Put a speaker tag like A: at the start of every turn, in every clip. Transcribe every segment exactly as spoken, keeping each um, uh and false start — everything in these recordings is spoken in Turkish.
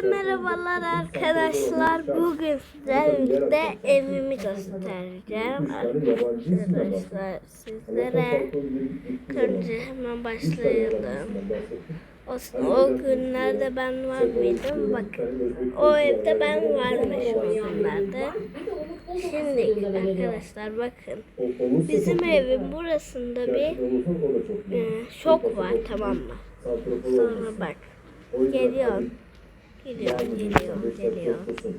A: merhabalar arkadaşlar. Bugün sizlerle birlikte evimi göstereceğim. Arkadaşlar sizlere önce hemen başlayalım. O, o günlerde ben var mıydım? Bakın o evde ben varmışım o günlerde. Şimdi arkadaşlar bakın. Bizim evin burasında bir e, şok var, tamam mı? Sonra bak. Geliyor. Geliyor, geliyor, geliyor.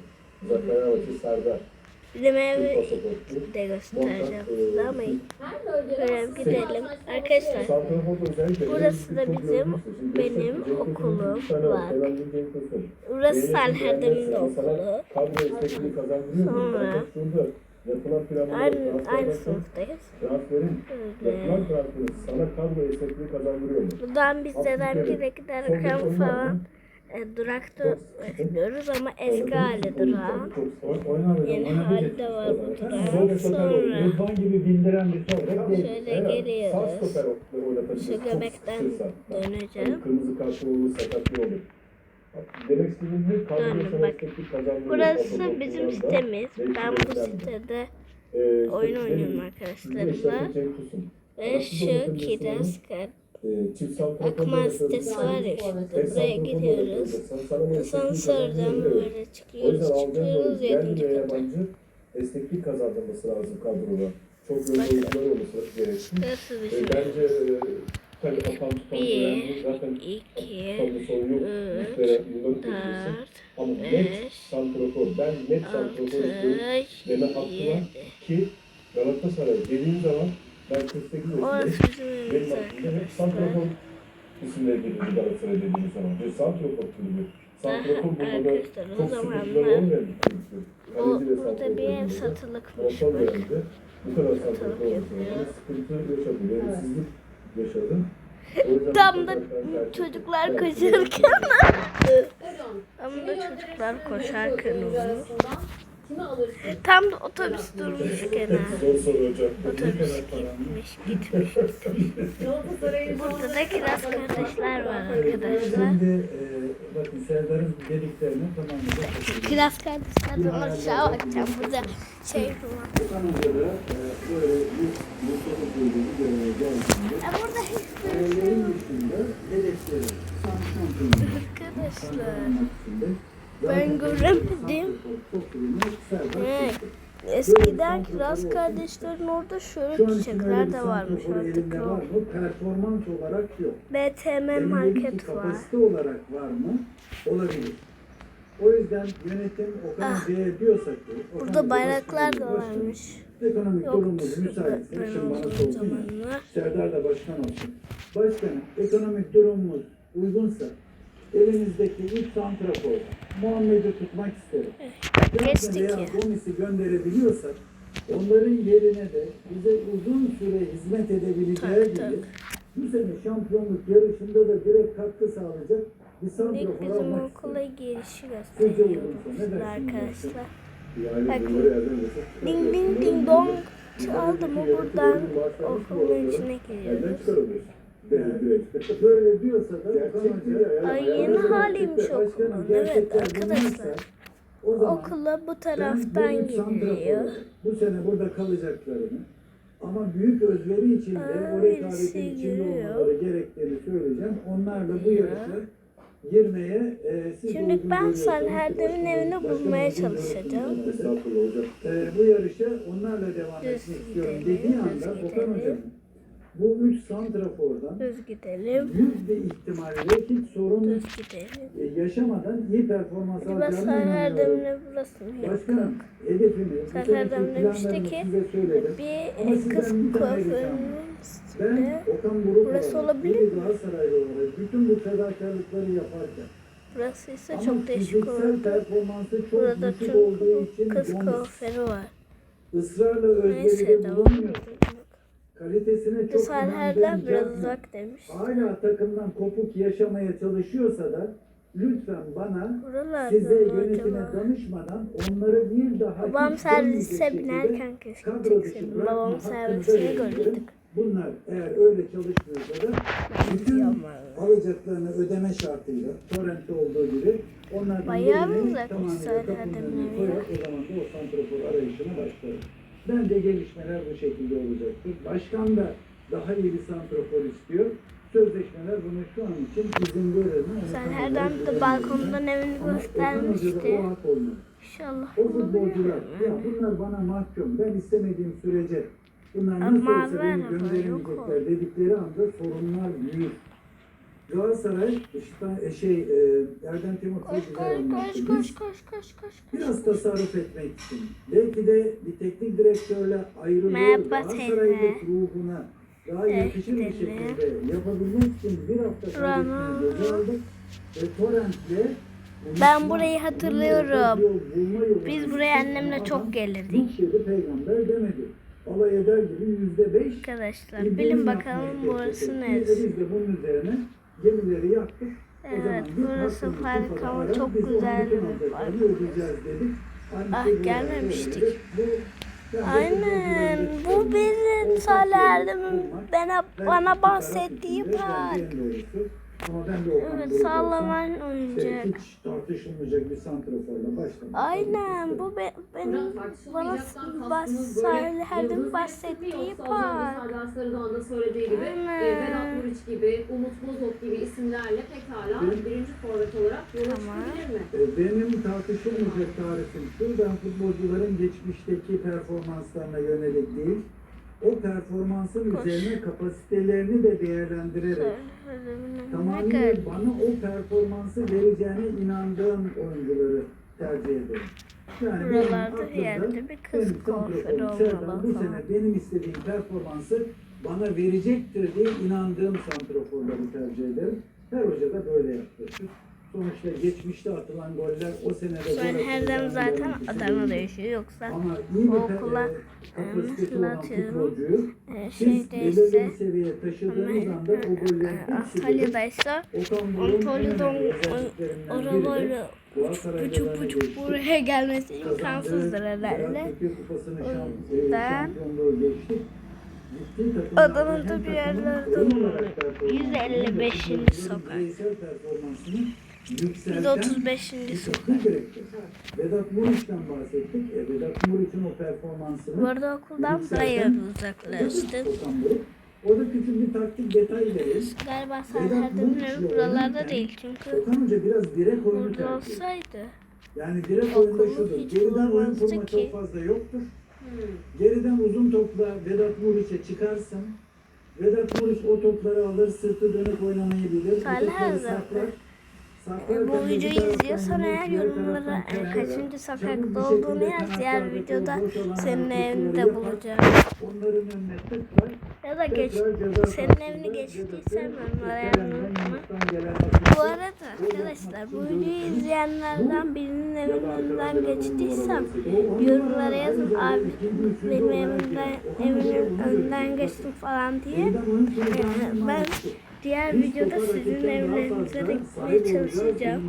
A: Bizim evi de göstereceğim size ama böyle gidelim. Arkadaşlar burası da bizim, benim okulum var. Burası Salherdem'in okulu. Sonra aynı, aynı sınıftayız. Buradan biz dedemgile giderken falan e, durakta bekliyoruz ama eski hali durağı. Yeni hali de var bu durağın. Sonra şöyle geliyoruz. Şu göbekten döneceğim. Döndüm bak. Burası bizim sitemiz. Ben bu sitede oyun oynuyorum arkadaşlarımla. Ve şu Kiraz Akman sitesi var ya, işte buraya gidiyoruz. Asansörden böyle çıkıyoruz, çıkıyoruz yedinci kata.
B: Esneklik kazandırması lazım kadroda. Çok yönlü oyuncular olması gereksin. Bence tabii akan tutan
A: bir,
B: zaten
A: iki,
B: sorun yok.
A: üç, dört,
B: ama net
A: beş,
B: santrafor. Ben net santrafor istiyorum. Deme hakkı var ki Galatasaray dediğim zaman ben kırk sekiz yaşındayım. Benim aklımda hep santrafor isimleri geliyor Galatasaray dediğim zaman. Ve santrafor kulübü. Santrafor burada çok sıkıntıları olmayan bir kulübü.
A: O, burada bir ev satılıkmış.
B: Bu kadar santrafor olmasına sıkıntı yaşadım. Verimsizlik yaşadım.
A: Tam da çocuklar koşarken tam da çocuklar koşarken olur. Tam da otobüs durmuşken otobüs gitmiş gitmiş burada da Kiraz kardeşler var arkadaşlar.
B: Bakın Serdar'ın dediklerini tamamlayacak.
A: Kiraz kardeşlerden aşağı bakacağım, burada şey var. Burada hiçbir şey yok. Arkadaşlar ben göremedim. Evet. Eskiden Kiraz kardeşlerin orada şöyle çiçekler de varmış, artık yok.
B: Performans olarak yok.
A: B T M market var.
B: Kapasite olarak var mı? Olabilir. O yüzden yönetim Okan
A: Ah.
B: Bey'e diyorsa ki
A: Burada bayraklar da varmış.
B: Ekonomik
A: Yok,
B: durumumuz müsaitse
A: ben
B: şimdi bana
A: olduğum
B: sorsun
A: zamanlar.
B: ya. Serdar da başkan olsun. Başkanım, ekonomik durumumuz uygunsa elinizdeki ilk santrafor Muhammed'i tutmak isterim.
A: Geçtik
B: veya
A: ya.
B: Gomis'i gönderebiliyorsak onların yerine de bize uzun süre hizmet edebileceği
A: Tak,
B: gibi
A: tak.
B: bu sene şampiyonluk yarışında da direkt katkı sağlayacak bir
A: İlk
B: santrafor
A: bizim
B: almak
A: okula
B: isterim.
A: girişi
B: Sizce
A: gösteriyordu
B: uygunsa ne dersiniz?
A: arkadaşlar.
B: Yani
A: Bakın.
B: bunları elden geçip
A: Ding ding ding dong çaldı mı buradan okulun içine giriyoruz.
B: Böyle diyorsa da Okan
A: Ay, yeni haliymiş okulun. Evet arkadaşlar. Okula bu taraftan giriliyor.
B: Bu sene burada kalacaklarını ama büyük özveri içinde
A: Aa,
B: o
A: birisi
B: rekabetin içinde
A: giriyor.
B: olmaları gerektiğini söyleyeceğim. Onlarla bu yarışa girmeye e, siz
A: Şimdi
B: uygun
A: ben
B: görüyorsanız
A: Salherdem'in evini
B: başkanım,
A: bulmaya
B: başkanım,
A: çalışacağım.
B: Estağfurullah hocam. E, bu yarışa onlarla devam
A: Düz
B: etmek istiyorum
A: gidelim,
B: dediği
A: düz
B: anda Okan
A: gidelim.
B: hocam bu üç santrafordan
A: Düz gidelim.
B: yüzde ihtimalle hiç sorun
A: Düz gidelim.
B: e, yaşamadan iyi performans
A: Acaba
B: alacağını inanıyorum.
A: Salherdem'in burası mı? Yok
B: Başkanım,
A: yok.
B: hedefimi, bu seneki
A: Salherdem demişti
B: planlarımı
A: ki
B: size söyledim. Ama
A: bir
B: sizden
A: kız
B: bir tane ricam
A: kuaförünün
B: var. Ben
A: üstünde.
B: Okan Buruk
A: Burası
B: olarak,
A: olabilir
B: bir
A: mi?
B: Galatasaraylı olarak bütün bu fedakarlıkları yaparken
A: Burası ise
B: ama
A: çok değişik
B: fiziksel
A: oldu.
B: performansı çok
A: Burada
B: düşük olduğu için
A: çünkü kız
B: Gomis
A: kuaförü var.
B: ısrarla özveride
A: Neyse devam
B: bulunmuyor.
A: edelim.
B: Kalitesine çok
A: Salherdem
B: inandığım
A: biraz
B: Jackman
A: uzak demiş.
B: hala takımdan kopuk yaşamaya çalışıyorsa da lütfen bana
A: Buralarda
B: size
A: mı
B: yönetime
A: acaba?
B: danışmadan onları bir daha
A: Babam
B: hiç
A: servise
B: dönmeyecek
A: binerken
B: şekilde
A: keşke
B: kadro dışı
A: çekseydim.
B: bırakma
A: Babam
B: hakkınıza
A: servisini
B: veriyorum.
A: gördük.
C: bunlar eğer öyle çalışmıyorsa da bütün alacaklarını ödeme şartıyla torrentte olduğu gibi onlardan
A: Bayağı mı
C: birini
A: uzak
C: tamamıyla
A: Müsaade
C: kapının
A: Adem'in
C: önüne
A: evi?
C: koyar. O zaman da o santrafor arayışına başlar. Bence gelişmeler bu şekilde olacaktır. Başkan da daha iyi bir santrafor istiyor. Sözleşmeler bunu şu an için izin verir mi? Onu
A: Sen
C: tam
A: her
C: olarak
A: dönemde
C: bilemiyorum
A: balkondan
C: ben.
A: evini
C: Ama Okan Hoca'da
A: göstermişti.
C: o hak olmalı.
A: İnşallah
C: O futbolcular,
A: bulabilirim.
C: ya bunlar bana mahkum, ben istemediğim sürece bunlar
A: Ama
C: nasıl olsa
A: ver
C: beni
A: ama, yok
C: gönderemeyecekler dedikleri anda sorunlar büyür. Galatasaray, işte e, şey, e, Erdem Timur
A: Koş
C: güzel
A: koş
C: anlattı.
A: koş koş
C: Biz
A: koş koş koş.
C: biraz tasarruf etmek için, belki de bir teknik direktörle ayrılığı
A: Merhaba
C: Galatasaray'ın
A: teyze.
C: ruhuna daha
A: Evet,
C: yakışır bir
A: gidelim.
C: şekilde yapabilmek için bir hafta kaybetmeyi göze aldık. Ve Torrent'le
A: Ben burayı hatırlıyorum. Biz buraya annemle çok gelirdik.
C: Nuh dedi peygamber demedi. Alay eder gibi yüzde beş.
A: Arkadaşlar bilin bakalım burası neresi?
C: Biz de bunun üzerine gemileri yaktık. O zaman
A: Evet,
C: bir
A: burası
C: hakkımızı
A: harika
C: falan
A: ama
C: arar,
A: çok
C: biz onun
A: güzel
C: bütün
A: bir
C: alacaklarını
A: park.
C: ödeyeceğiz dedik. Aynı
A: Ah,
C: şey bu
A: gelmemiştik.
C: arada öyle. Bu, yani
A: Aynen.
C: futbolcuların
A: Bu bizim
C: ortak
A: Salih
C: yolu
A: Erdem'in
C: bulmak.
A: bana,
C: Belki
A: bana
C: iki taraf
A: bahsettiği
C: içinde
A: park.
C: bence en doğrusu. Ama ben de Okan
A: Evet,
C: Buruk
A: sallaman
C: olsam,
A: oyuncak.
C: işte hiç tartışılmayacak bir santraforla başlamak.
A: Aynen, bu be, benim bana bas, Salih Erdem'in bahsettiği park.
D: Serdar Sarıdağ'ın da söylediği gibi
A: Aynen.
D: e, Vedat Muriç gibi, Umut Bozok gibi isimlerle pekala
C: Benim-
D: birinci forvet olarak yola
A: Tamam.
D: çıkabilir mi?
C: E, Benim tartışılmayacak tarifim şu, ben futbolcuların geçmişteki performanslarına yönelik değil, o performansın
A: Koş.
C: üzerine kapasitelerini de değerlendirerek
A: Ne
C: tamamıyla
A: kadar
C: bana o performansı vereceğine inandığım oyuncuları tercih ederim. Yani benim
A: buralarda bir
C: aklımda
A: yerde bir kız
C: benim
A: kuaförü
C: santraforum Serdar
A: olmalı
C: bu
A: falan.
C: sene benim istediğim performansı bana verecektir diye inandığım santraforları tercih ederim. Her hoca da böyle yaklaşır. Sonuçta geçmişte atılan goller o senede
A: Ben
C: gol
A: her zaman
C: atılacağını
A: zaten
C: garantisi
A: Adana'da
C: değil.
A: yaşıyor, yoksa
C: Ama iyi bir
A: okula,
C: pe- e,
A: e,
C: kapasitesi
A: mesela
C: olan
A: atıyorum,
C: futbolcuyu
A: e,
C: siz belirli
A: şeydeyse,
C: bir seviyeye taşıdığınız
A: ama
C: anda o gollerin hepsi gelir.
A: Antalya'daysa
C: Okan Buruk'un en
A: Antalya'dan
C: önemli özelliklerinden biri de
A: arabayla
C: Galatasaray'da
A: buçuk
C: da
A: buçuk
C: geçti.
A: buraya gelmesi
C: Kazandığı
A: imkansızdır herhalde.
C: Ziraat Türkiye Kupası'nı
A: O
C: şamp- e,
A: yüzden
C: şampiyonluğu geçti. Gittiği takımlarda
A: Adana'da
C: hem
A: bir
C: takımın
A: yerlerde
C: oyun
A: olmalı.
C: olarak performansını
A: yüz elli beşinci
C: hem de
A: sokak.
C: bireysel performansını
A: yüz
C: yükselten
A: otuz beşinci
C: bir
A: sokak.
C: teknik direktör. Vedat Muriç'ten bahsettik. E, Vedat Muriç'in o performansını
A: Bu arada okuldan
C: yükselten
A: bayağı uzaklaştık.
C: Okan Buruk. Orada küçük bir taktik detay verelim.
A: Galiba Salih Erdem'in evi buralarda değil, çünkü
C: Okan Hoca biraz direkt oyunu
A: burada
C: tercih ediyor.
A: olsaydı.
C: Yani direkt
A: Okulu
C: oyunda şudur.
A: hiç
C: Geriden oyun
A: bulmazdı
C: kurma
A: ki.
C: çok fazla yoktur.
D: Hmm.
C: Geriden uzun topla Vedat Muriç'e çıkarsın. Vedat Muriç o topları alır, sırtı dönük oynamayı bilir. O
A: Salih
C: topları
A: Erdem.
C: saklar.
A: E, bu videoyu izliyorsan eğer yorumlara e, kaçıncı sokakta olduğunu yaz. Diğer videoda senin evinde bulacağım.
C: Onların önüne tıklar.
A: Ya da geç,
C: Tekrar ceza
A: senin
C: sahasında
A: evini geçtiysen
C: Vedat'ı
A: yorumlara
C: Kerem'den
A: unutma.
C: Yunus'tan gelen
A: Bu arada arkadaşlar, bu videoyu izleyenlerden birinin evinden geçtiysem yorumlara yazın, abi benim evimden, evimin önünden geçtim falan diye. Ee, ben diğer videoda sizin evlerinize de gitmeye çalışacağım.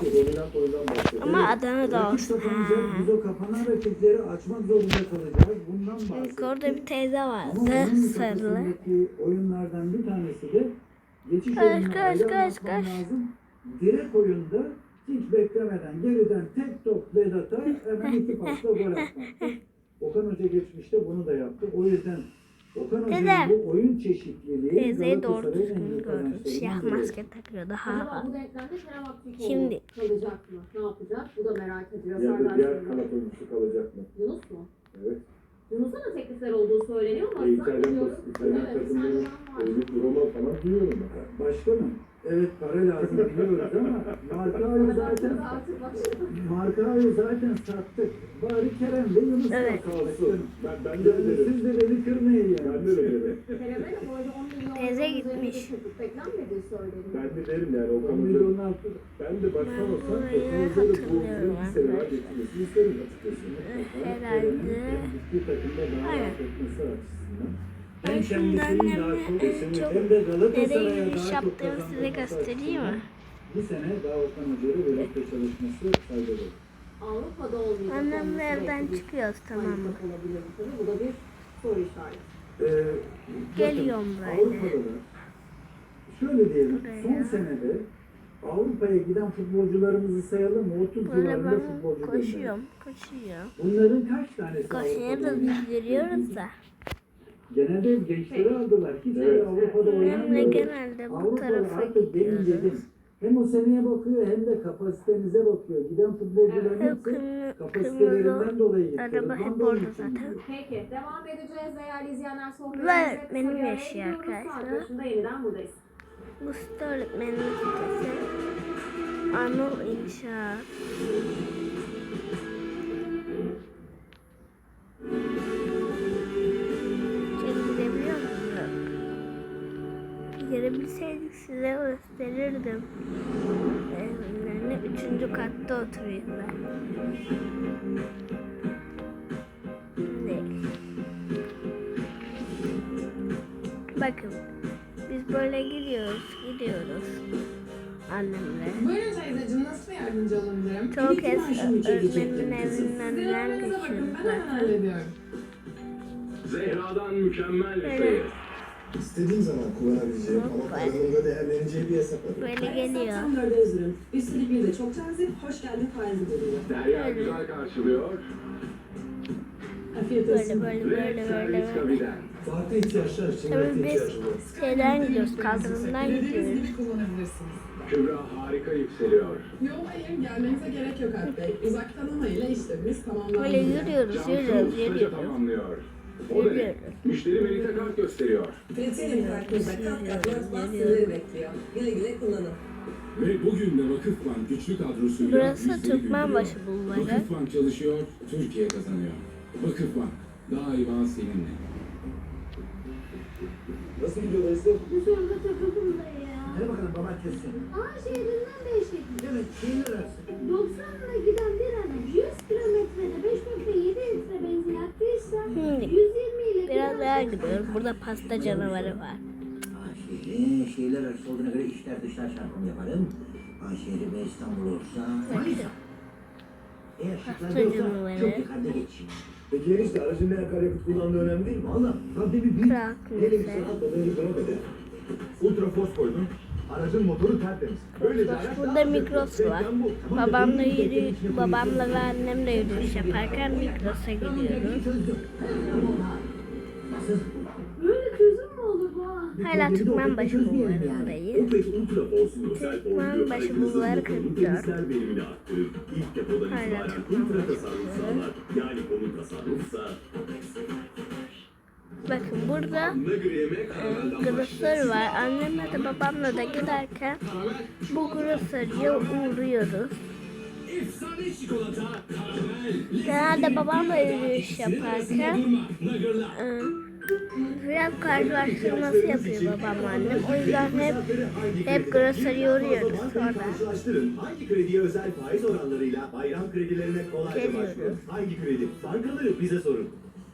A: Ama Adana'da olsun. Ha.
C: Biz o kapanan rakipleri açmak zorunda kalacağız. Bundan
A: Çünkü
C: bahsettik.
A: orada bir teyze
C: Ama
A: vardı,
C: onun
A: sarılı.
C: kafasındaki oyunlardan bir tanesi de geçiş
A: Kaç,
C: oyununa
A: kaç,
C: ayrı
A: kaç,
C: anlatmam
A: kaç.
C: lazım. Direkt oyunda hiç beklemeden geriden tek top Vedat'a hemen iki pasla gol atmaktı. Okan Hoca geçmişte bunu da yaptı. O yüzden Okan Hoca'nın
A: Dede,
C: bu oyun çeşitliliği
A: Teyzeyi doğru
C: Galatasaray'ın en
A: düzgün
C: büyük
A: gördüm.
C: kazançlarından
A: Siyah
C: biri.
A: maske takıyordu. Ha
D: Acaba
A: ha.
D: bu denklemde Kerem Aktürkoğlu
A: Şimdi.
D: kalacak mı? Ne yapacak? Bu da merak ediliyor.
B: Ya da
D: Serdar
B: diğer
D: Sarıdağ.
B: kanat oyuncusu kalacak mı?
D: Yunus mu?
B: Evet.
D: Yunus'a da teklifler olduğu söyleniyor ama
B: E, İtalyan,
D: zannediyorum.
B: İtalyan
D: Evet,
B: takımları
D: İtalyan var.
B: Elif Roma falan duyuyorum ben.
C: Başkanım, evet para lazım biliyoruz ama Markao'yu zaten
D: Artık başladı.
C: Markao'yu zaten sattık. Bari Kerem ve Yunus
A: Evet.
C: kalsın.
B: Ben, ben de
C: Yani
B: öderim.
C: siz de beni kırmayın yani.
B: Ben de öderim.
D: Kerem'e de bu arada on milyon
A: Teyze
D: euro
A: gitmiş.
D: üzerinde teklif beklenmediği söyleniyor.
B: Ben de derim yani Okan
C: on
B: Hoca.
C: milyonun altı.
B: Ben de başkan
A: Ben
B: olsam
A: burayı
B: Okan Hoca'yı da bu
A: hatırlıyorum
B: bir sene daha
A: arkadaşlar.
B: getirmesini isterim açıkçası.
A: Herhalde.
C: Gittiği takımda daha
A: Aynen.
C: rahat etmesi açısından.
A: Ben
C: Hem
A: şimdi
C: kendisinin daha
A: annemle
C: çok
A: en çok
C: hem de
A: nereye
C: Galatasaray'a
A: giriş
C: daha çok
A: yaptığımı size
C: kazandırması
A: göstereyim mi?
C: açısından bu sene daha Okan Hoca'yla birlikte çalışması faydalı.
D: Avrupa'da olmayacak.
A: Annemle
D: olması
A: evden
D: belki bir
A: çıkıyoruz, tamam mı?
D: handikap olabilir tabii. Bu da bir soru işareti.
C: Ee,
A: Geliyorum
C: bakın,
A: böyle.
C: Avrupa'da da şöyle diyelim,
A: Buraya.
C: son senede Avrupa'ya giden futbolcularımızı sayalım mı? otuz
A: Böyle
C: civarında
A: ben
C: futbolcu gönderdik.
A: koşuyorum, koşuyorum.
C: Bunların kaç tanesi
A: Koşuya
C: Avrupa'da
A: da
C: oynayan?
A: bildiriyoruz da.
C: Genelde hep gençleri aldılar. Hiçbiri Avrupa'da
A: Hem de
C: oynamıyor.
A: genelde bu
C: Avrupa'da
A: tarafa
C: artık benim dedim.
A: gidiyoruz.
C: Hem o seneye bakıyor hem de kapasitenize bakıyor. Giden futbolcuların
A: Hep
C: hepsi
A: kırmızı,
C: kapasitelerinden
A: kırmızı
C: dolayı gitti.
A: araba
C: Rıdvan
A: hep
C: da onun
A: orada
C: için
A: zaten.
C: gidiyor.
D: Peki devam edeceğiz değerli izleyenler
A: Ve
D: sohbetimize.
A: benim
D: Kısa bir araya
A: yaşıyor
D: gidiyoruz.
A: arkadaşlar.
D: Saat başında yeniden buradayız.
A: Mustafa öğretmenin sitesi Anıl İnşaat. İçeri girebiliyor musun? Girebilseydik size gösterirdim. Evlerine üçüncü katta oturuyorlar. Değil. Bakın biz böyle gidiyoruz, gidiyoruz annemle.
E: Buyurun teyzeciğim, nasıl yardımcı olabilirim?
A: Çok
E: Bir iki
A: kez
E: maaşımı çekecektim
A: öğretmenin
E: kızım.
A: evinin
E: Siz
A: önünden
E: yorumunuza bakın,
A: geçiyoruz
E: ben hemen
A: zaten.
E: hallediyorum.
F: Zehra'dan mükemmel bir
A: Böyle.
F: sayı.
B: İstediğin zaman kullanabileceğim ama
A: Hoppa.
B: kazanımda değerleneceği bir hesap var.
A: Böyle geliyor.
E: Standart hazırım. Üstelik bir de çok cazip, hoş geldin faizi buluyor.
F: Derya
A: Böyle.
F: güzel karşılıyor.
E: Afiyet
A: Böyle
E: olsun.
A: böyle
F: Ve
A: böyle
F: servis
A: böyle böyle.
F: kabiden.
B: Farklı ihtiyaçlar için
A: Tabii
B: farklı
A: biz
B: ihtiyacım var.
A: şeyden gidiyoruz, kaldırımdan
E: Dilediğiniz
A: gidiyoruz.
E: gibi kullanabilirsiniz.
F: Kübra harika yükseliyor.
E: Yok hayır, gelmenize gerek yok Alp Bey. Uzak tanımayla işlemimiz tamamlandı.
A: Böyle yürüyoruz,
F: Cansu
A: yürüyoruz,
F: ustaca
A: yürüyoruz.
F: tamamlıyor. O da ne?
A: Yürüyoruz.
F: Müşteri Melita kart gösteriyor.
G: Platinum kartınızda kat kat basma sizleri bekliyor. Güle güle kullanın.
H: Ve bugün de Vakıfbank güçlü kadrosuyla
A: Burası
H: bizleri
A: Türkmenbaşı
H: güldürüyor.
A: Bulvarı.
H: Vakıfbank çalışıyor, Türkiye kazanıyor. Vakıfbank daima seninle.
B: Nasıl gidiyor Esra?
A: Şurada takıldım da ya.
C: Hadi bakalım baba kesin.
A: Aa şehrinden değişik.
C: Evet, şehir arası.
A: doksanla giden bir adam yüz kilometrede beş nokta yedi litre benzin yaktıysa yüz yirmi ile biraz daha gidiyoruz. Burada pasta canavarı var.
I: Şehri, şehirler arası olduğuna göre içler dışlar çarpımı yaparım. Şehri ve İstanbul olursa Manisa. Eğer şıklar
A: Pasta
I: yoksa
A: canavarı.
I: çok yukarıda geç.
B: Peki enişte aracın ne akaryakıt kullandığı önemli değil mi?
C: Valla tabii bir büyük.
A: Kral
B: Hele bir
A: Kulesi.
B: sanat modeli drop eder. Ultrafos koydum. Aracın motoru tertemiz. Böylece araç
A: Burada
B: daha
A: Migros var.
B: Reklam bu. Tamam da
A: Babamla
B: benim
A: yürü,
B: teknenin içine
A: babamla ve annemle yürüyüş yaparken Migros'a gidiyoruz.
I: Nasıl?
A: Böyle çözüm mü olur bu? Hala Türkmenbaşı Bulvarı'ndayız.
F: Opet Ultrafos özel
A: Türkmenbaşı Bulvarı kırk dört.
F: verimini arttırır. İlk depodan
A: Hala
F: itibaren
A: Türkmenbaşı
F: ultra tasarruf sağlar. Yani konu tasarrufsa
A: Bakın burada e, grosör var. Annemle de babamla da giderken bu grosörüye uğruyoruz.
H: Efsane çikolata, karamel,
A: Genelde babamla yürüyüş yaparken e, biraz karşılaştırması yapıyor babamla annem. O yüzden hep hep grosörüye uğruyoruz sonra.
F: karşılaştırın. Hangi krediye özel faiz oranlarıyla bayram kredilerine kolayca
A: Geliyoruz.
F: başvurun? Hangi kredi? Bankaları bize sorun.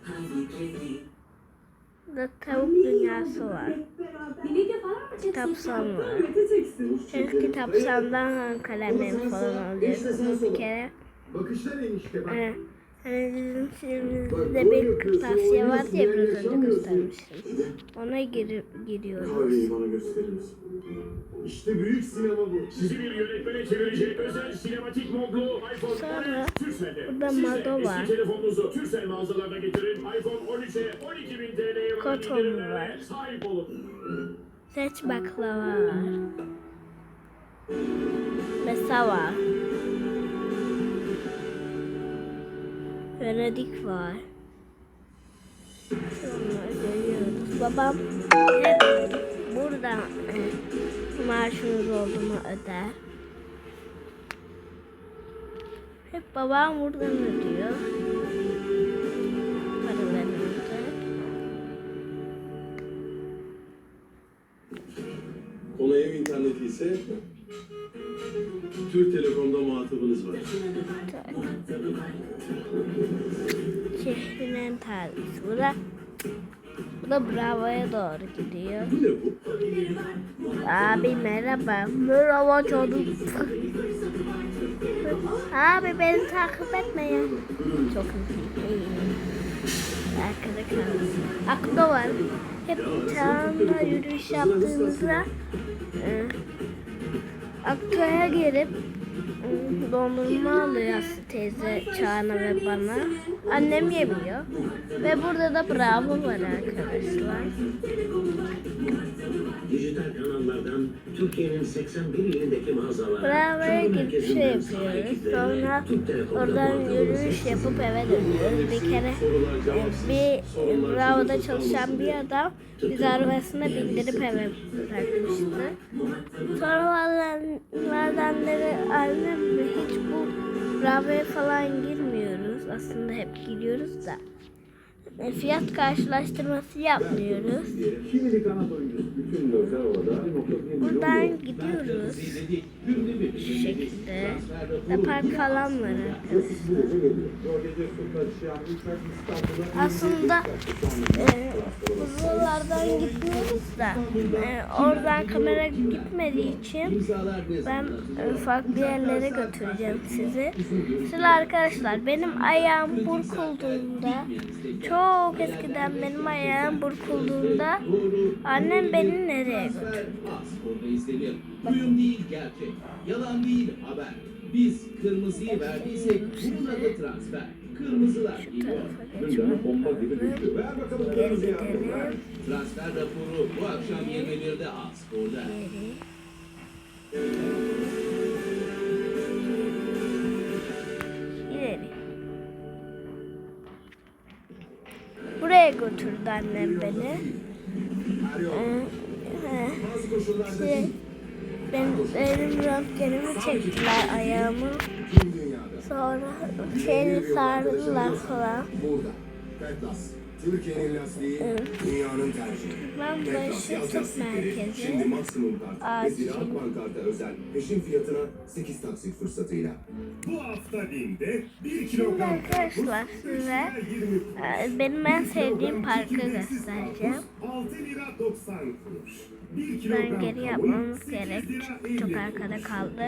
A: Burada tavuk dünyası var.
D: Birlikte falan mı çeksin?
A: Kitapsan var. Her kitapsandan kalemlerimi falan alıyorsunuz bir kere.
B: Bakışlar enişte bak.
A: Ee, hani bizim filmimizde bir kırtasiye vardı ya biraz önce göstermiştim. Ona gir giriyoruz.
B: Kahveyi bana gösterir misin? İşte büyük sinema bu.
F: Sizi bir yönetmene çevirecek özel sinematik modlu iPhone
A: Sonra
F: Türkcell'de.
A: burada
F: Siz de
A: Mado
F: eski
A: var.
F: telefonunuzu Türkcell mağazalarına getirin. iPhone on üçe on iki bin T L'ye varan
A: Koton
F: indirimlere
A: var.
F: sahip olun.
A: Seç baklava var. Mesa var. Venedik var. Onları görüyoruz. Babam hep burada e, maaşımız olduğunu öder. Hep babam buradan ödüyor. Paralarımızı.
B: Konu ev interneti ise Türk Telekom'da muhatabınız var.
A: Şehrinin tarihi. Bu da, bu da Bravo'ya doğru gidiyor.
B: Bu ne bu?
A: Abi merhaba. Merhaba canım. Abi beni takip etme ya. Çok hızlı. Arkada kaldı. Aklı var. Hep Çağan'la yürüyüş yaptığımızda e, Akkaya gelip e, dondurma alıyor Aslı teyze Çağan'a ve bana. Annem yemiyor. Ve burada da Bravo var arkadaşlar.
F: Dijital kanallardan Türkiye'nin seksen bir ilindeki mağazalara
A: Bravo'ya gidip şey yapıyoruz. Sonra oradan yürüyüş yapıp eve dönüyoruz. Bir kere e, bir Bravo'da çalışan bir adam bizi arabasına bindirip eve bırakmıştı. Sonra bazenleri annemle hiç bu Bravo'ya falan girmiyoruz. Aslında hep gidiyoruz da. E, fiyat karşılaştırması yapmıyoruz.
C: Şimdili kanat oyuncusu. Bütün gözler orada.
A: Buradan gidiyoruz. Şu şekilde. Ve park falan var arkadaşlar. Aslında e, uzunlardan gitmiyoruz da e, oradan kamera gitmediği için ben e, farklı yerlere götüreceğim sizi. Şimdi arkadaşlar benim ayağım burkulduğunda, çok eskiden benim ayağım burkulduğunda annem beni nereye götürdü?
H: Duyum değil gerçek. Yalan değil haber. Biz kırmızıyı verdiysek bunun adı transfer. Kırmızılar geliyor.
B: Gündeme bomba gibi düşüyor. Ver bakalım
A: Geri
B: kırmızı
A: gidelim.
B: yağmur.
H: Transfer raporu bu akşam yirmi birde Aspor'da.
A: İleri. Buraya götürdü annem beni. Ee, he. Şey, benim, benim röntgenimi çektiler ayağımı. Sonra şeyini sardılar falan.
F: Burada. Petlas. Türkiye'nin lastiği, dünyanın tercihi.
A: Ben başı tıp merkezi.
F: Şimdi maksimum kart ve
A: Acil.
F: Ziraat Bankart'a özel peşin fiyatına sekiz taksit fırsatıyla.
B: Bu hafta Bim'de bir
A: Şimdi
B: kilogram
A: arkadaşlar size e, benim en sevdiğim parkı göstereceğim.
B: altı lira doksan kuruş. bir
A: Ben
B: kilogram
A: geri
B: kavun
A: yapmamız
B: sekiz
A: gerek.
B: lira
A: Çok
B: elli
A: arkada kaldı.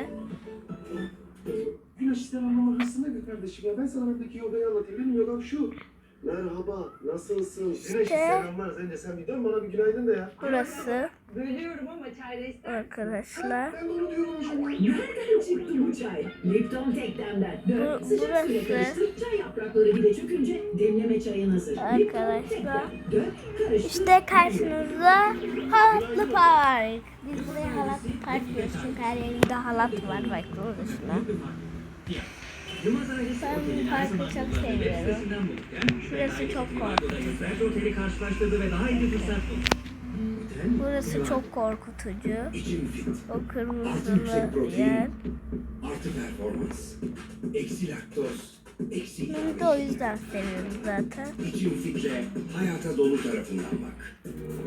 C: Güneş sen anlamamışsın da bir kardeşim ya. Ben sana oradaki yogayı anlatayım. Benim yogam şu.
F: Merhaba, nasılsın?
A: İşte-
F: selamlar. Sence sen bir dön bana bir günaydın da ya.
A: Burası
G: Bölüyorum ama çayda ister.
A: arkadaşlar.
F: Ben de onu diyorum hocam.
G: Nereden çıktı bu çay? Lipton teklemden. Dön.
A: Bu-
G: Sıcak suyla
A: burası-
G: karıştır. Çay yaprakları bir de çökünce demleme çayın hazır.
A: Arkadaşlar.
G: Dön. Karıştır.
A: İşte karşınızda halatlı park. Biz buraya halatlı park diyoruz çünkü her yerinde halat var. Bak şuna. Ben bu parkı çok seviyorum. Şurası çok korkutucu.
F: Oteli karşılaştırdı ve daha iyi bir fırsat buldu.
A: Burası çok korkutucu.
F: İçin fit,
A: O kırmızılı yer.
F: artı performans, eksi laktoz, eksi
A: Bunu da o yüzden seviyorum zaten.
F: İçin fitle hayata dolu tarafından bak.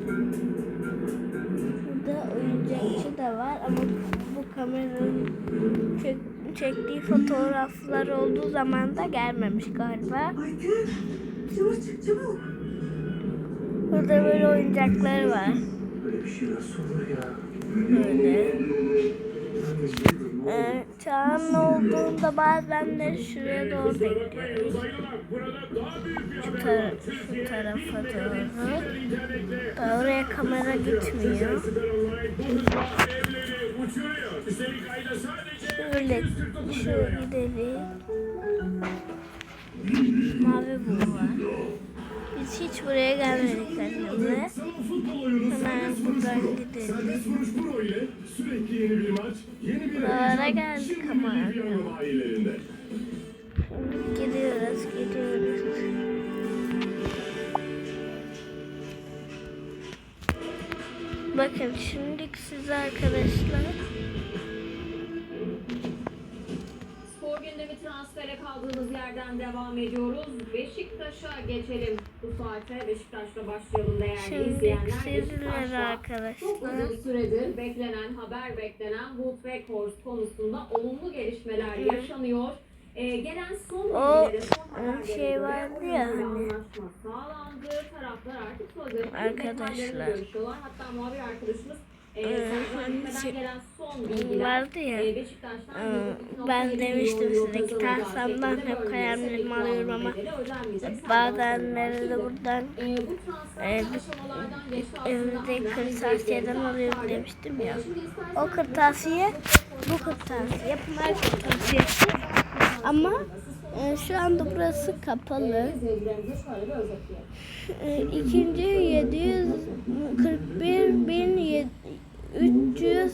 A: Burada oyuncakçı da var ama bu kameranın çek, çektiği fotoğraflar olduğu zaman da gelmemiş galiba.
G: Çabuk çabuk.
A: Burada böyle oyuncakları var.
C: Böyle bir şey nasıl olur ya?
A: Böyle. Ee, Çağan olduğunda bazen de şuraya doğru da gidiyoruz. Şu, tar- şu tarafa doğru. Da oraya kamera gitmiyor. Şöyle, şöyle gidelim. Mavi bu var. Biz hiç buraya gelmedik annemle. Hemen buradan gidelim.
B: Sürekli yeni bir maç, yeni bir
A: Buralara geldik ama.
B: dünya bayilerinde.
A: Gidiyoruz, gidiyoruz. Bakın şimdi size arkadaşlar
D: Spor gündemi transfere kaldığımız yerden devam ediyoruz. Beşiktaş'a geçelim. Bu saate Beşiktaş'la başlayalım değerli
A: şimdi
D: izleyenler.
A: sizlere
D: Beşiktaş'ta çok
A: arkadaşlar
D: uzun süredir beklenen, haber beklenen Wout Weghorst konusunda olumlu gelişmeler
A: Hı.
D: yaşanıyor. Ee, gelen son
A: O,
D: bilgilere, son
A: e,
D: haberlere
A: şey
D: göre
A: vardı ya
D: oyuncularla
A: hani.
D: anlaşma sağlandı. Taraflar artık sözleşmenin
A: Arkadaşlar.
D: detaylarını görüşüyorlar. Hatta muhabir arkadaşımız Ee,
A: Ee,
D: Sercan Gitmeden
A: şey-
D: gelen son bilgiler.
A: vardı ya.
D: Ee, Beşiktaş'tan
A: Ee,
D: yirmi iki nokta
A: ben
D: yedi milyon
A: demiştim
D: euro
A: size,
D: kazanacağı
A: Gitarsam'dan
D: şeklinde
A: hep
D: bölgesi
A: hayallerimi
D: ve
A: alıyorum ama
D: bedeli ödenmeyecek. Sercan
A: bazenleri de
D: Sarıbaşı'ydı.
A: buradan
D: Ee, bu transfer
A: e,
D: aşamalardan geçti aslında.
A: evde
D: Hamlen
A: kırtasiyeden
D: bizleri
A: alıyorum
D: aktardı.
A: demiştim ya.
D: Ee, şimdi istersen
A: O kırtasiye bu kırtasiye Pınar kırtasiyesi ama e, şu anda burası kapalı.
D: izleyicilerimize şöyle bir özetleyelim.
A: E, ikinci yedi yüz kırk bir bin üç yüz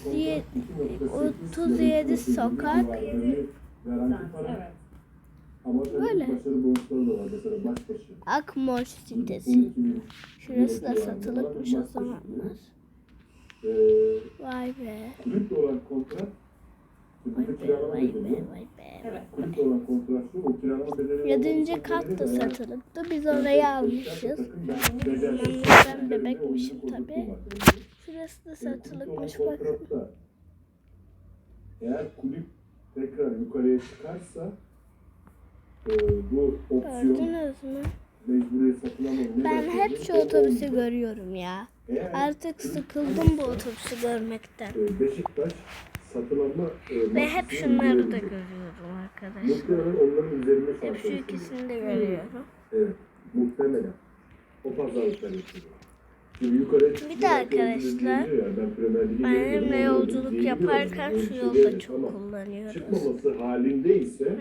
A: otuz yedi sokak.
B: Garanti para.
D: Evet.
B: Ama tabii
A: Böyle.
B: başarı bonusları da var. Mesela başbaşı.
A: Akmoş sitesi.
B: on iki bin
A: Şurası da
B: euro
A: satılıkmış o
B: civarında
A: zamanlar.
B: Ee,
A: Vay be.
B: kulüple olan kontrat,
A: Vay
B: burada
A: be,
B: kiralama
A: vay be,
B: bedeli.
A: vay be.
D: Evet.
B: Kulüple olan kontratı, o kiralama bedeli.
A: Yedinci kat da satılıktı. Biz orayı almışız.
B: Ben
A: Ben bebekmişim tabii. Şurası da satılıkmış bakın.
B: Kontratta eğer kulüp tekrar yukarıya çıkarsa e, bu opsiyon
A: Gördünüz mü?
B: mecburi satın alma. ne
A: Ben
B: demek
A: hep
B: oluyor?
A: şu
B: O
A: otobüsü
B: olmuyor.
A: görüyorum ya.
B: Eğer
A: Artık
B: kulüp
A: sıkıldım bu otobüsü görmekten.
B: e, Beşiktaş satın alma e,
A: Ve hep
B: maddesini
A: şunları da
B: uygulayabilir.
A: görüyorum arkadaşlar.
B: Muhtemelen onların üzerinde
A: Hep şu
B: şartlar
A: ikisini de görüyorum.
B: Evet, muhtemelen. O pazarlıklar yapılıyor. Şimdi yukarıya çıkıyor.
A: Bir de arkadaşlar,
B: diyor ya, ben Premier Lig'e
A: Benimle
B: gelmiyorum,
A: yolculuk
B: diyebiliyorum.
A: yaparken
B: Öyle bir
A: şu
B: şey
A: yolda
B: değil
A: çok
B: ama
A: kullanıyoruz.
B: çıkmaması halindeyse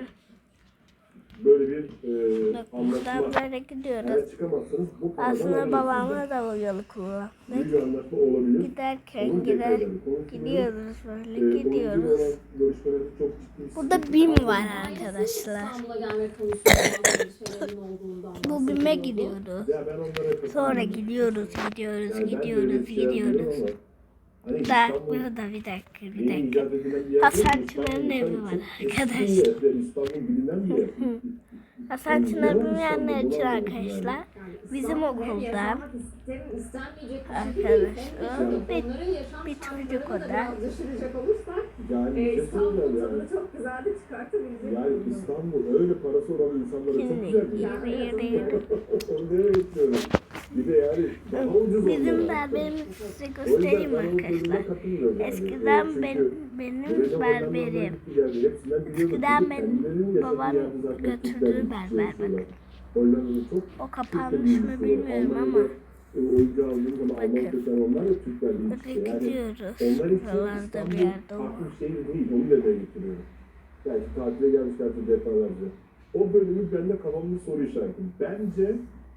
B: böyle bir e,
A: Bak
B: anlaşma.
A: buradan böyle gidiyoruz.
B: Eğer çıkamazsanız bu paradan
A: Aslında
B: ayrılırsınız.
A: babamla da o yolu
B: Büyük
A: kullandık.
B: bir anlaşma olabilir.
A: Giderken
B: Onu
A: gider,
B: tekrar edelim. Konuşmayalım.
A: gidiyoruz
B: E,
A: böyle
B: oyuncu
A: gidiyoruz.
B: olan görüşmeleri çok ciddi.
A: Burada BİM var arkadaşlar.
D: İstanbul'a gelme konusunda endişelerin olduğundan
A: Bu BİM'e
D: bahsediyordu.
A: gidiyoruz.
B: Ya ben onlara katılıyorum.
A: Sonra gidiyoruz, gidiyoruz,
B: Yani ben de öyle
A: gidiyoruz,
B: bir şey yapıyorum
A: gidiyoruz.
B: ama hani
A: Da
B: İstanbul
A: burada bir dakika, bir
B: yeni
A: dakika.
B: icat edilen bir yer
A: Hasan
B: değil.
A: Çınar'ın
B: İstanbul
A: evi var
B: çok eski
A: arkadaşlar.
B: bir yer ve İstanbul bilinen bir yer.
A: Hasan Çınar bilmeyenler için
B: İstanbul'da var
A: arkadaşlar.
D: Yani
A: Bizim
D: İstanbul hem
A: okulda
D: yaşamak isterim, istenmeyecek bir şekilde
A: arkadaşlar,
D: değil, hem de
A: bir-
D: onların yaşam
A: bir çocuk
D: şartlarını da
A: oda.
D: biraz düşünecek olursak
B: Yani
D: e,
B: bir şey
D: İstanbul
B: söyleyeyim
D: tadını
B: yani.
D: çok güzel de çıkartabilecek.
B: Yani
D: bir durum.
B: İstanbul öyle parası olan insanlara çok
A: Şimdi
B: güzel bir yer.
A: yürü yürü yürü.
B: Onu nereye getiriyorum? Bir de yani daha ucuz
A: Bizim
B: oluyor.
A: berberimizi size
B: O yüzden
A: göstereyim
B: ben onun sözüne
A: arkadaşlar.
B: katılmıyorum yani.
A: Eskiden
B: Çünkü
A: benim, benim
B: Böyle
A: berberim.
B: Hollanda'dan gitti geldi. Hepsinden biliyorduk.
A: Eskiden
B: Çünkü
A: benim
B: kendilerinin yaşadığı
A: babam
B: yerde zaten
A: götürdüğü
B: Türkler
A: berber
B: yaşıyorlar.
A: bakın.
B: Hollanda'da çok
A: O
B: Türkler
A: kapanmış mı
B: bilgisi var.
A: bilmiyorum ama.
B: Almanya'da, e, oyuncu aldığım zaman
A: Bakın.
B: Alman köken onlar da Türkler
A: Böyle
B: bilgisi. Yani
A: gidiyoruz.
B: onlar için
A: Buralarda bir
B: İstanbul
A: yerde o.
B: farklı bir şehir değil. Onu demeye getiriyorum. Belki tatile gelmişlerdir defalarca. O bölümü bende kafamda soru işareti. Bence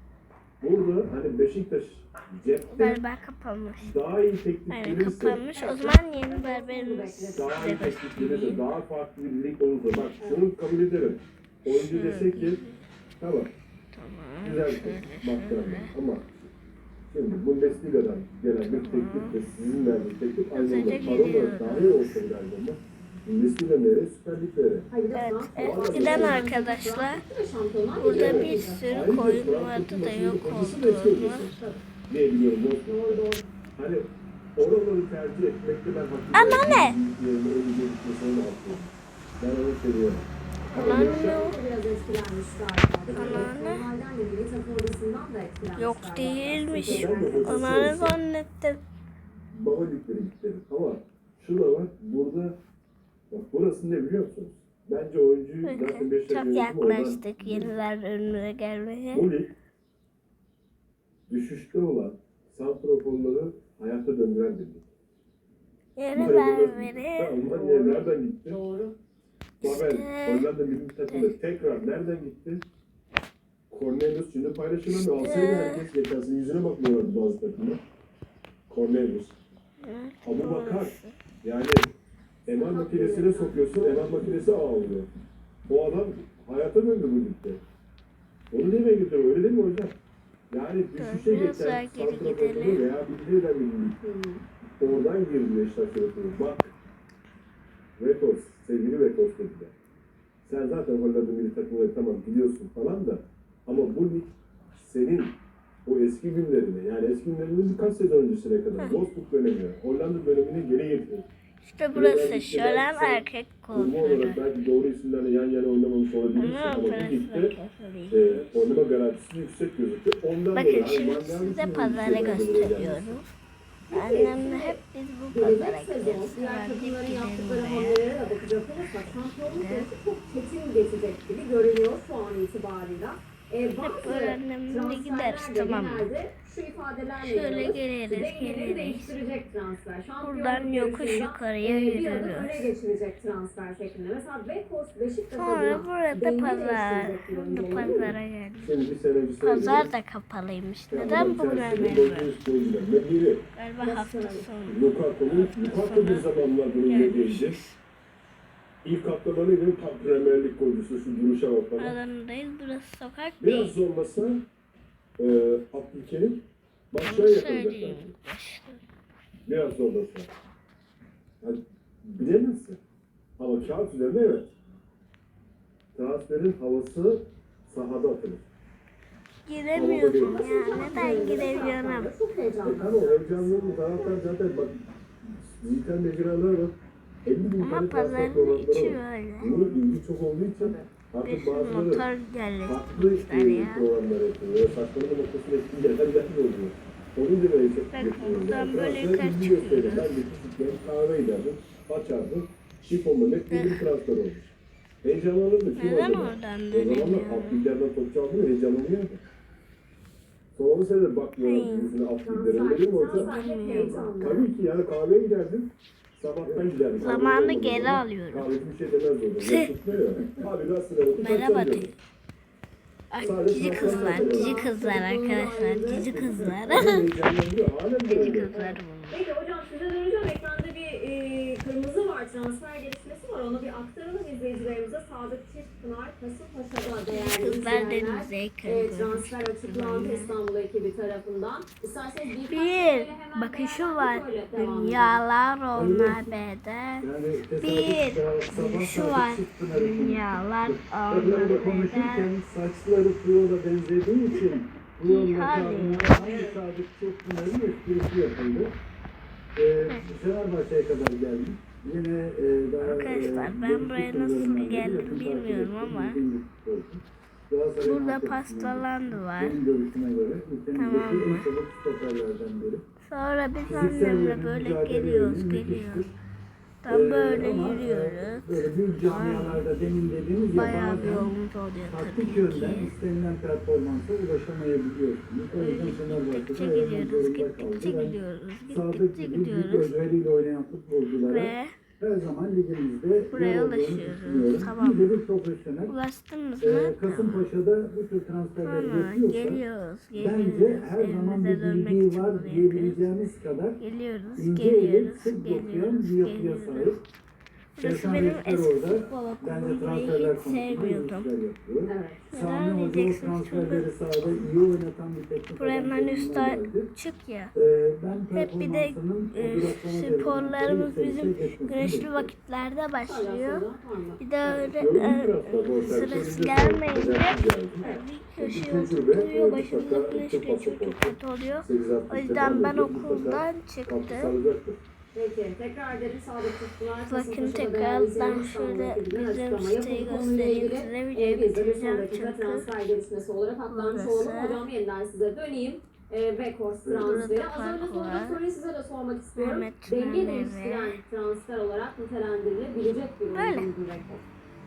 B: burada hani Beşiktaş cepte
A: Berber kapanmış.
B: daha iyi teklif
A: Aynen
B: verirse,
A: kapanmış. O zaman yeni berberimizi
B: daha
A: size
B: iyi teklif verirse,
A: göstereyim.
B: daha farklı bir lig olursa, bak şunu kabul ederim. Oyuncu dese ki, tamam,
A: Tamam.
B: güzel bir baktığında ama şimdi Bundesliga'dan gelen bir teklif de sizin verdiğiniz teklif aynı
A: Hızlıca
B: zamanda para olarak
A: gidiyoruz.
B: daha iyi olsa bile aynı zamanda Bundesliga nereye, Süper Liglere.
D: Hayır,
A: Evet,
D: Fransız-
A: eskiden arkadaşlar
D: Şampiyonlar
A: burada
D: Ligi'ne
A: bir
D: gidecek.
A: sürü koyun vardı da yok olduğunu.
B: Ne biliyorum, o
D: Doğru doğru.
B: hani oraları tercih etmekte ben haklı.
A: Ama ne?
B: Yerine öyle gitmesine de haklıyım. Ben onu seviyorum.
A: Ulan yok.
D: Biraz etkilenmiş galiba.
A: Anneanne.
D: Normalden de milli takım odasından da etkilenmiş
A: Yok
D: galiba.
A: değilmiş.
B: Ben de
A: Ona ne zannettim.
B: Baba ligleri gitti. Ama şu da var, burada bak burası ne biliyor musunuz? Bence oyuncuyu zaten
A: Bakın
B: Beşiktaş
A: çok
B: yönetimi oradan-
A: yaklaştık yeniler önüne gelmeye.
B: Bu lig düşüşte olan santraforları hayata döndüren bir lig.
A: Yeni
B: Bu
A: berberi.
B: Almanya nereden gitti?
D: Doğru.
B: Babel,
A: İşte-
B: Hollanda milli takımı tekrar nereden gitti? Cornelius şimdi paylaşılamıyor. Alsaydı herkes geçen sene yüzüne bakmıyorlardı bazı takımlar. Cornelius. Abu Bakar. Yani M R makinesine sokuyorsun, M R makinesi ağlıyor. O adam hayata döndü bu ligde. Onu demeye getiriyor, öyle değil mi hocam? Yani düşüşe
A: Dönüyorsa
B: geçen
A: geri
B: santraforları
A: gidelim.
B: rehabilite eden bir lig. Oradan girdi Beşiktaş yönetimi. Bak, Vetos, sevgili Vetos dediler. Sen zaten Hollanda milli takımları tamam biliyorsun falan da ama bu lig senin o eski günlerini, yani eski günlerinin birkaç sezon öncesine kadar Wolfsburg dönemi, Hollanda dönemini geri getirir.
A: İşte burası Şölen erkek
B: Kurma
A: kuaförü.
B: olarak belki doğru isimlerle yan yana oynamamış olabilirsin
A: Ama
B: ama bu
A: parası
B: ligde
A: da kefalıyım.
B: e, oynama garantisi yüksek gözüküyor. Ondan
A: Bakın
B: dolayı
A: şimdi
B: Almanya
A: size
B: için
A: pazarı
B: ülkelerden buraya gelmiş.
A: gösteriyorum. Annemle hep biz bu pazara
D: Gelecek sezon
A: gideriz.
D: diğer
A: Hadi
D: takımların
A: gidelim
D: yaptıkları
A: oraya.
D: hamlelere de bakacak olursak şampiyonluk yarışı çok çetin geçecek gibi görünüyor şu an itibarıyla. E, bazı
A: öğrenmeye gideriz,
D: transferler de
A: tamam mı?
D: genelde şu ifadelerle
A: Şöyle
D: yapılır.
A: geliriz,
D: Dengeleri
A: geliriz.
D: değiştirecek transfer. Şampiyonluk
A: Buradan yokuş
D: yarışında,
A: yukarıya
D: e, bir adım
A: yürürüz.
D: öne geçirecek transfer şeklinde. Mesela Beykoz Beşiktaş
A: Sonra
D: adına
A: burada
D: denge
A: pazar.
D: değiştirecek bir
A: Burada
D: oyuncu olur mu?
A: pazara geldik.
B: Şimdi bir sene bir sene.
A: Pazar da kapalıymış. Neden bu
B: Chelsea
A: böyle?
B: Ne biri?
A: Galiba hafta sonu.
B: Lukaku'nun Lukaku bir zamanlar bunun yediğiydi. İlk haftalarıyla tam Premier Lig golcüsü, şu duruşa bak bana.
A: Alanındayız. Burası sokak
B: Biraz
A: değil.
B: zorlasa e, Abdülkerim başlığa
A: Onu
B: yakalayacak.
A: söyleyeyim.
B: Biraz zorlasa. Yani bilemezsin. Ama kağıt üzerinde evet. Transferin havası sahada atılır.
A: Giremiyorsun ya. Neden giremiyorum?
D: Çok
B: E
D: heyecanlı.
B: tamam, heyecanlı taraftar zaten bak. Dijital mecralar var. elli bin
A: Ama
B: tane transfer
A: pazarın
B: programları
A: içi
B: var.
A: böyle.
B: Bunun ilgi çok olduğu için
A: Bir
B: artık
A: sürü
B: bazıları
A: motor
B: farklı
A: yerleştirmişler
B: e,
A: ya.
B: programlar yapıyor. Böyle saçmalama noktasına etkin yerler oluyor. Onu demeye çok
A: Bak,
B: getiriyorum.
A: buradan
B: Yani
A: böyle
B: transfer
A: yukarı
B: ilgi gösterir.
A: çıkıyoruz.
B: Ben de küçükken kahve giderdim, açardım. Şifon Mehmet diye bir transfer olmuş. Heyecanlanırdı. Kim
A: Neden
B: oldu?
A: oradan
B: O zamanlar
A: dönemiyorum?
B: alt liglerden top çaldığında heyecanlanıyordu. Sonra sefer bakmıyorum yüzüne alt liglere. Öyle mi olsa?
D: Transfer hep heyecanlı.
B: Tabii ki yani kahveye giderdim. Sabahtan giderdim.
A: Zamanı
B: Kahve
A: geri
B: olmadı.
A: alıyorum.
B: Kahveci bir şey demez orada. Ya tutmuyor ya. Abi gazetede bakıp
A: Merhaba
B: açacağım
A: diyor.
B: diyorum.
A: Ay, cici kızlar, cici kızlar arkadaşlar, cici kızlar.
B: Heyecanlandırıyor. Halen de
A: Cici
B: öyle.
A: kızlar bunlar.
D: Peki hocam size döneceğim. Ekranda bir e, kırmızı var. Transfer gelişmesi var. Onu bir aktaralım izleyicilerimize. Sadık Çiftpınar, Kasımpaşa'da değerli
A: Kızlar
D: izleyenler.
A: denize
D: E,
A: yakın.
D: transfer açıklandı İstanbul ekibi tarafından. İsterseniz birkaç
A: Bir
D: cümleyle hemen
A: bakışı
D: değerlendirip
A: var.
D: öyle devam edelim.
A: Dünyalar onlar bede.
C: Yani
A: Bir
C: tesadüf sabah
A: şu
C: sabah
A: var.
C: Çiftpınar'ı konuştuk.
A: Dünyalar
C: Öbürlerle
A: onlar
C: konuşurken
A: bede.
C: saçları Puyol'a benzediği için Puyol'la
A: Hadi.
C: Kazım'la hangi Sadık Çiftpınar'ın esprisi yapıldı. Ee, Fenerbahçe'ye kadar geldik. Yine e, daha
A: Arkadaşlar,
C: e,
A: ben
C: genç
A: buraya
C: futbolcularından
A: nasıl
C: biri,
A: geldim
C: yakın takip
A: bilmiyorum
C: ettiğim
A: ama
C: bildiğim bir futbolcu. Galatasaray'ın
A: Burada
C: altyapısından
A: pastalandı var.
C: benim görüşüme göre ülkemizdeki
A: Tamam mı?
C: en çabuk stoperlerden biri.
A: Sonra biz
C: Fiziksel
A: annemle
C: yönü,
A: böyle
C: mücadele
A: geliyoruz,
C: yönü
A: geliyoruz.
C: müthiştir.
A: Tam
C: Ee,
A: böyle
C: ama,
A: yürüyoruz.
C: e, Böyle büyük camialarda demin dediğimiz ya
A: Bayağı bir
C: bazen
A: yolumuz oluyor
C: taktik
A: tabii
C: yönden
A: ki.
C: istenilen performansa ulaşamayabiliyorsunuz. O yüzden
A: Gittikçe
C: Fenerbahçe'de ayırmak
A: gidiyoruz,
C: zorunda
A: gittikçe
C: kaldı. Ben
A: gidiyoruz,
C: Sadık
A: gittikçe
C: gibi büyük
A: gidiyoruz.
C: özveriyle oynayan futbolculara
A: Ve
C: her zaman ligimizde
A: buraya
C: yer olduğunu
A: ulaşıyoruz.
C: düşünüyorum.
A: Tamam.
C: Bir de bir profesyonel.
A: ulaştınız
C: Ee,
A: mı?
C: Kasımpaşa'da bu tür transferleri
A: Sonra
C: yapıyorsa
A: geliyoruz,
C: bence
A: geliyoruz.
C: her zaman
A: Evimize
C: bir
A: dönmek
C: bildiği
A: için
C: var
A: bunu yapıyoruz.
C: diyebileceğimiz kadar
A: Geliyoruz,
C: ince eli
A: geliyoruz,
C: sık dokuyan
A: geliyoruz,
C: bir yapıya
A: geliyoruz.
C: sahip.
A: Burası
C: Serkan
A: benim
C: Reçber
A: eski
C: orada
A: futbol
C: bence
A: okulum. Burayı
C: transferler
A: hiç
C: konusunda iyi
A: sevmiyordum.
C: işler yapıyor.
D: Evet.
C: Sami
A: Neden
C: Hoca o
A: diyeceksiniz?
C: transferleri
A: Çünkü
C: sahada iyi oynatan bir teknik
A: buranın
C: adam
A: en
C: konumuna
A: üstte
C: geldi.
A: çık ya.
C: Ee, ben
A: Hep bir de
C: performansının
A: e,
C: o duraklama devrinde
A: sporlarımız
C: yükselişe
A: bizim
C: geçmesini
A: güneşli
C: bekliyorum.
A: vakitlerde
D: Hala
A: başlıyor.
D: sonra var mı?
A: Bir de öyle
B: Gördüğün
A: e,
B: tarafta bu
A: sırası
B: sefer
A: gelmeyince
B: geldi.
A: bir köşeye
B: Bir tecrübe,
A: oturtuyor,
B: mutlaka
A: başımıza güneş
B: Türk
A: geçiyor, çok
B: pasaportu.
A: kötü oluyor.
B: sekiz altmış
A: O yüzden ben
B: mutlaka
A: okuldan
B: katkı
A: çıktım.
B: sağlayacaktır.
D: Peki tekrar edelim Sadık Çiftpınar.
A: Bakın tekrardan şöyle bizim siteyi göstereyim size. Videoyu bitireceğim çünkü
D: transfer gelişmesi olarak aktarmış
A: burası.
D: olalım. Hocam yeniden size döneyim. E, Backhorse transferi.
A: Burada
D: Az önce
A: fark
D: sorduğum
A: var.
D: soruyu size de sormak istiyorum.
A: Ahmet
D: Denge
A: Tümen
D: değiştiren
A: evi.
D: transfer olarak nitelendirilebilecek bir
A: Böyle.
D: oyuncu Backhorse.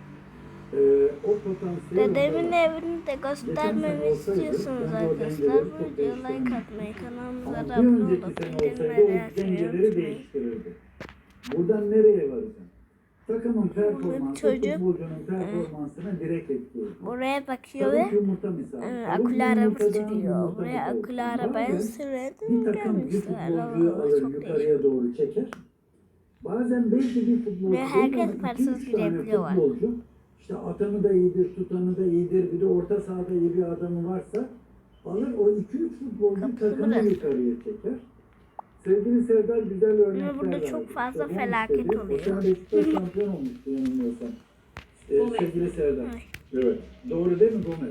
C: Ee, o potansiyel
A: Dedemin
C: var.
A: evini de göstermemi istiyorsunuz arkadaşlar. Bu videoya like atmayı, kanalımıza da
C: Ama bir
A: abone
C: önceki
A: olup
C: sene olsaydı
A: bildirimleri
C: o
A: açmayı
C: dengeleri
A: unutmayın.
C: değiştirirdi. Buradan nereye varacağım? Takımın performansı,
A: çocuk,
C: futbolcunun performansına direkt etkiliyor.
A: Buraya bakıyor ve
C: Tavuk yumurta misali.
A: e,
C: Tavuk
A: akülü araba
C: yumurtadan
A: sürüyor.
C: yumurta
A: Buraya
C: gibi
A: akülü
C: olsun.
A: arabaya
C: Bazen
A: sürdüm
C: bir takım bir
A: gelmişler.
C: futbolcuyu
A: Oo,
C: alır
A: çok değişik.
C: yukarıya doğru çeker. Bazen belki bir futbolcu
A: Buraya herkes
C: değil ama iki,
A: parasız
C: üç tane
A: girebiliyor var.
C: futbolcu işte atanı da iyidir, tutanı da iyidir, bir de orta sahada iyi bir adamı varsa alır o iki üç futbolcu
A: Kapısı
C: takımı
A: burası.
C: yukarıya çeker. Sevgili Serdar güzel örnekler
A: burada
C: verdi.
A: çok fazla
C: İşte bu
A: felaket
C: istedi.
A: oluyor.
C: O sene Beşiktaş şampiyon olmuştu yanılmıyorsam. Ee,
D: Gomez.
C: sevgili Serdar.
B: Evet.
C: Doğru değil mi Gomez?